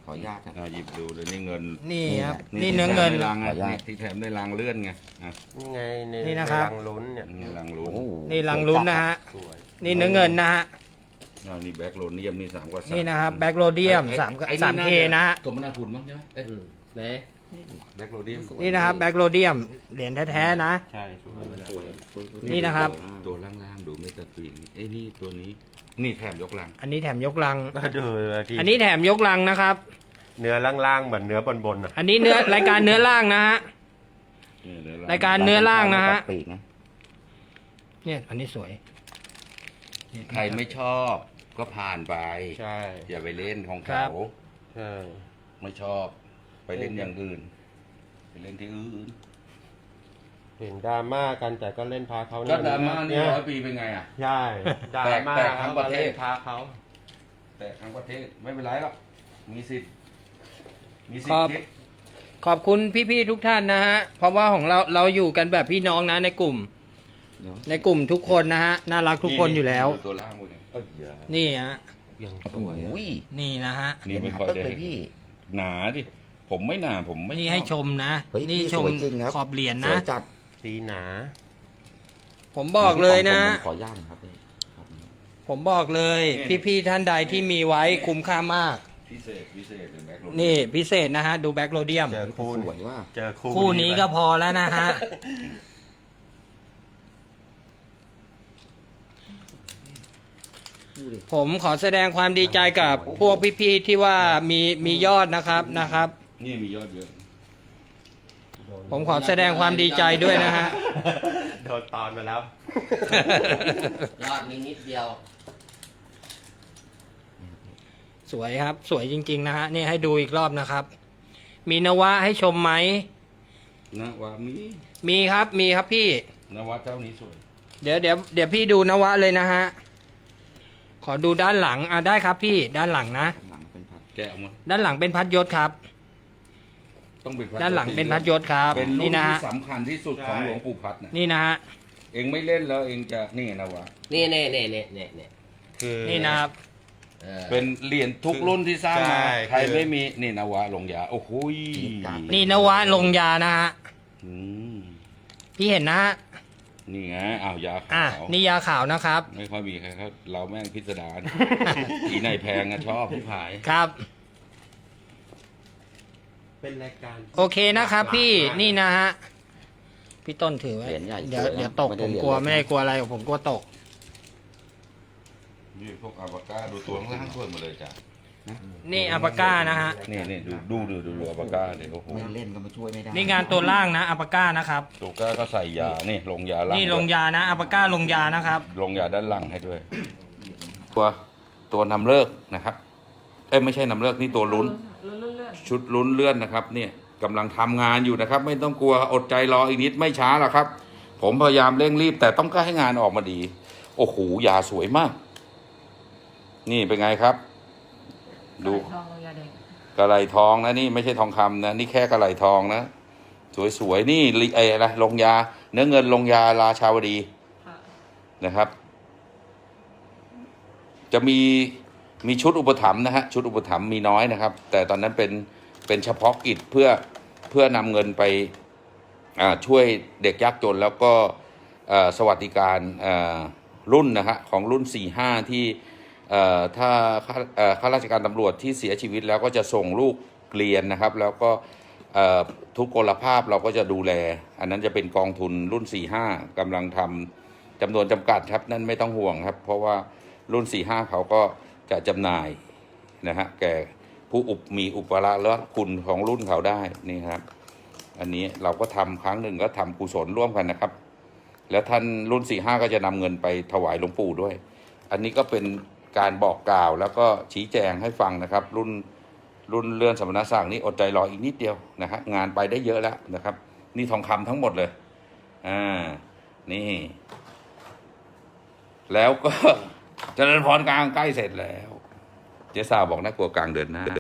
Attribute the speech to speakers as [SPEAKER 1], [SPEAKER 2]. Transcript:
[SPEAKER 1] ขออนุญาตครับ
[SPEAKER 2] หยิบดูเลยนี่เงิน
[SPEAKER 3] นี่ครับ
[SPEAKER 1] นี่
[SPEAKER 3] นี่เนื้อเงิน
[SPEAKER 2] ที่แถมได้ราง
[SPEAKER 1] ขออนุญาต
[SPEAKER 2] ที่แถมได้รางเลื่อนไงอ่ะ
[SPEAKER 4] นี่ไงใน
[SPEAKER 3] นี่นะครับ
[SPEAKER 4] รังลุ้นเนี่ย
[SPEAKER 2] นี่รางลุ้น
[SPEAKER 1] โอ้โห
[SPEAKER 3] นี่ลังลุ้นนะฮะ
[SPEAKER 4] สวย
[SPEAKER 3] นี่เนื้อเงินนะฮะ
[SPEAKER 2] นี่แบ็คโลเนียมนี่3 กว่า
[SPEAKER 3] นี่นะครับแบ็กโรเดียม3K นะฮะ
[SPEAKER 2] สมนาคุณมั้งใช่ไหมเอ้ย
[SPEAKER 4] ไหน
[SPEAKER 2] แบ็คโลเนียม
[SPEAKER 3] นี่นะครับแบ็กโรเดียมเหรียญแท้ๆนะ
[SPEAKER 4] ใช่สวย
[SPEAKER 2] สวย
[SPEAKER 3] นี่นะครับ
[SPEAKER 2] ตัวล่างๆดูเมตาตีนเอ้ยนี่ตัวนี้นี่แถมยกลัง
[SPEAKER 3] อันนี้แถมยกลัง
[SPEAKER 4] มาดูที่
[SPEAKER 3] อันนี้แถมยกลังนะครับ
[SPEAKER 4] เนื้อล่างๆเหมือนเนื้อบนๆอ่ะ
[SPEAKER 3] อันนี้เนื้อรายการเนื้อล่างนะฮะ
[SPEAKER 2] นี่เนื้อ
[SPEAKER 3] รายการเนื้อล่างนะฮะ
[SPEAKER 1] ปีกนะ
[SPEAKER 3] เนี่ยอันนี้สวย
[SPEAKER 2] ใครไม่ชอบก็ผ่านไป
[SPEAKER 4] ใช่
[SPEAKER 2] อย่าไปเล่นของ
[SPEAKER 3] ครั
[SPEAKER 2] เขา
[SPEAKER 3] บ
[SPEAKER 4] ใช่
[SPEAKER 2] ไม่ชอบ ไปเล่นอย่างอื่น ไปเล่นที่อื่น
[SPEAKER 4] เห็นดราม่ากันแต่ก็เล่นพาเขา
[SPEAKER 2] ก็ดราม่านี่
[SPEAKER 4] เนี่ย
[SPEAKER 2] 100 ปีเป็นไงอ่ะ
[SPEAKER 4] ใช่ดราม่า
[SPEAKER 2] แตกทั้งประเทศ
[SPEAKER 4] พาเขา
[SPEAKER 2] แต่ทั้งประเทศไม่เป็นไรหรอกมีสิทธิ์มีสิท
[SPEAKER 3] ครั
[SPEAKER 2] ธิ์
[SPEAKER 3] บ
[SPEAKER 2] คิด
[SPEAKER 3] ขอบคุณพี่ๆทุกท่านนะฮะ เพราะว่าของเราอยู่กันแบบพี่น้องนะในกลุ่ม
[SPEAKER 1] เดี๋ยว
[SPEAKER 3] ในกลุ่มทุกคนนะฮะ น่ารักทุกคนอยู่แล้ว
[SPEAKER 2] ตัวล่างหมดเลยเอ้ยอย่า
[SPEAKER 3] นี่ฮะ
[SPEAKER 4] ยังส
[SPEAKER 1] โอ้
[SPEAKER 4] วย
[SPEAKER 1] โห
[SPEAKER 3] นี่นะฮะ
[SPEAKER 2] นี่ไม่ค่อย
[SPEAKER 1] ตึ๊ก
[SPEAKER 2] ได้
[SPEAKER 1] เลยพี่
[SPEAKER 2] หนาดิผมไม่หนาผมไม่
[SPEAKER 3] นี่ให้ชมนะ
[SPEAKER 1] เฮ้ย
[SPEAKER 3] นี่
[SPEAKER 1] นี่
[SPEAKER 3] ชม
[SPEAKER 1] สวยจริงครับ
[SPEAKER 3] ขอบเหรียญ
[SPEAKER 1] ส
[SPEAKER 3] นะ
[SPEAKER 1] วยจัด
[SPEAKER 4] สีหนา
[SPEAKER 3] ผมบอกเลยนะ
[SPEAKER 1] ผมขออนุญาตนะครับพี่ครับ
[SPEAKER 3] ผมบอกเลย พี่ๆท่านใดที่มีไว้คุ้มค่ามาก
[SPEAKER 2] พิเศษเป็นแบ็คโร
[SPEAKER 3] นี่พิเศษนะฮะ ดูแบ็กโรเดียม
[SPEAKER 4] เจอคู่
[SPEAKER 1] สวยว่า
[SPEAKER 4] เจอคู่
[SPEAKER 3] คู่นี้ก็พอแล้วนะฮะ
[SPEAKER 1] ดูดิ
[SPEAKER 3] ผมขอแสดงความดีใจกับพวกพี่ๆที่ว่ามียอดนะครับ
[SPEAKER 2] นี่มียอดเยอะ
[SPEAKER 3] ผมขอแสดงความดีใจด้วยนะฮะ
[SPEAKER 4] โดนตอนมาแล้ว
[SPEAKER 5] ยอดมีนิดเดียว
[SPEAKER 3] สวยครับ สวยจริง ๆ นะฮะ นี่ให้ดูอีกรอบนะครับ มีนวะให้ชมไหม
[SPEAKER 2] นะว่ามี
[SPEAKER 3] มีครับพี่
[SPEAKER 2] นวัดเจ้านี้สวย
[SPEAKER 3] เดี๋ยวพี่ดูนวะเลยนะฮะ ขอดูด้านหลังได้ครับพี่ด้านหลังนะ
[SPEAKER 1] หลังเป็นพัด
[SPEAKER 2] แกะออกมา
[SPEAKER 3] ด้านหลังเป็นพัดยศครับ
[SPEAKER 2] ต้องเป็นพัด
[SPEAKER 3] ด้านหลังเป็นพัดยศครับ
[SPEAKER 2] เป็นรุ่
[SPEAKER 3] นี่
[SPEAKER 2] น
[SPEAKER 3] นะ
[SPEAKER 2] ที่
[SPEAKER 3] ฮะ
[SPEAKER 2] สำคัญที่สุดของหลวงปู่พัดนะ
[SPEAKER 3] นี่นะฮะ
[SPEAKER 2] เองไม่เล่นแล้วเองจะนี่นะวะ
[SPEAKER 5] นี่
[SPEAKER 4] คือ
[SPEAKER 3] นี่นะครับ
[SPEAKER 5] เออ
[SPEAKER 2] เป็นเหรียญทุกรุ่นที่สร้างมา
[SPEAKER 4] ใช่
[SPEAKER 2] ใคร
[SPEAKER 4] คือ
[SPEAKER 2] ไม่มีนี่นวะลงยาโอ้โหย
[SPEAKER 3] นี่นวะลงยานะฮะ
[SPEAKER 2] อืม
[SPEAKER 3] พี่เห็นนะฮะ
[SPEAKER 2] นี่ไงอ้าวยา
[SPEAKER 3] อ่ะ
[SPEAKER 2] ขาว
[SPEAKER 3] นี่ยาขาวนะครับ
[SPEAKER 2] ไม่ค่อยมีใครเขาเราแม่งพิสดาร อีไหนแพงอะชอบพี่ผาย
[SPEAKER 3] ครับ
[SPEAKER 4] เป็นรายการ
[SPEAKER 3] โอเคนะครับ พี่นี่นะฮะพี่ต้นถือไว้
[SPEAKER 1] เหรียญใหญ่
[SPEAKER 3] เดี๋ยว
[SPEAKER 1] สวยนะ
[SPEAKER 3] เดี๋ยวตก
[SPEAKER 1] ไม่
[SPEAKER 3] ผ
[SPEAKER 1] ได้
[SPEAKER 3] ม
[SPEAKER 1] เหรียญ
[SPEAKER 3] กลัว
[SPEAKER 1] เล็ก
[SPEAKER 3] ไม่ได้กลัวอะไรผมกลัวตก
[SPEAKER 2] นี่พวกอาบาก้าดูตัวข้างล่างช่วยหมดเลยจ้ะ
[SPEAKER 3] นี่อัปาก้านะฮะ
[SPEAKER 2] นี่ดูอาบาก้าเลยโอ้โห
[SPEAKER 1] ไม่เล่นก็มาช่วยไม่ได้
[SPEAKER 3] นี่งานตัวล่างนะอัปาก้านะครับ
[SPEAKER 2] ตัวก้าก็ใส่ยานี่ลงยาล่าง
[SPEAKER 3] นี่ลงยานะอัปาก้าลงยานะครับ
[SPEAKER 2] ลงยาด้านหลังให้ด้วย ตัวนำเลิกนะครับไม่ใช่นำเลิกนี่ตัวลุ้นชุดลุ้นเลื่อนนะครับเนี่ยกำลังทำงานอยู่นะครับ ไม่ต้องกลัวอดใจรออีกนิดไม่ช้าหรอกครับ ผมพยายามเร่งรีบ แต่ต้องการให้งานออกมาดี โอ้โหยาสวยมาก นี่เป็นไงครับ ดูกระไหลทองนะนี่ไม่ใช่ทองคำนะนี่แค่กระไหลทองนะสวยๆนี่อะไรลงยาเนื้อเงินลงยาราชาวดีนะครับ จะมีชุดอุปถัมภ์นะฮะชุดอุปถัมภ์มีน้อยนะครับ แต่ตอนนั้นเป็นเฉพาะกิจเพื่อนำเงินไปช่วยเด็กยากจนแล้วก็สวัสดิการรุ่นนะฮะของรุ่น 4-5 ที่ถ้าข้าราชการตำรวจที่เสียชีวิตแล้วก็จะส่งลูกเรียนนะครับ แล้วก็ทุกกลภาพเราก็จะดูแล อันนั้นจะเป็นกองทุนรุ่น 4-5 กำลังทำจำนวนจำกัดครับนั่นไม่ต้องห่วงครับ เพราะว่ารุ่น 4-5 เขาก็จะจำหน่ายนะฮะแก่ผู้มีอุปการะและคุณของรุ่นเขาได้นี่ครับ อันนี้เราก็ทำครั้งหนึ่งก็ทำกุศลร่วมกันนะครับ แล้วท่านรุ่น 4-5 ก็จะนำเงินไปถวายหลวงปู่ด้วย อันนี้ก็เป็นการบอกกล่าวแล้วก็ชี้แจงให้ฟังนะครับ รุ่นเลื่อนสมณศักดิ์นี่อดใจรออีกนิดเดียวนะฮะงานไปได้เยอะแล้วนะครับ นี่ทองคำทั้งหมดเลยนี่ แล้วก็เจริญพรกลางใกล้เสร็จแล้ว เจ๊สาวบอกน่ากลัวกลางเดือนหน้า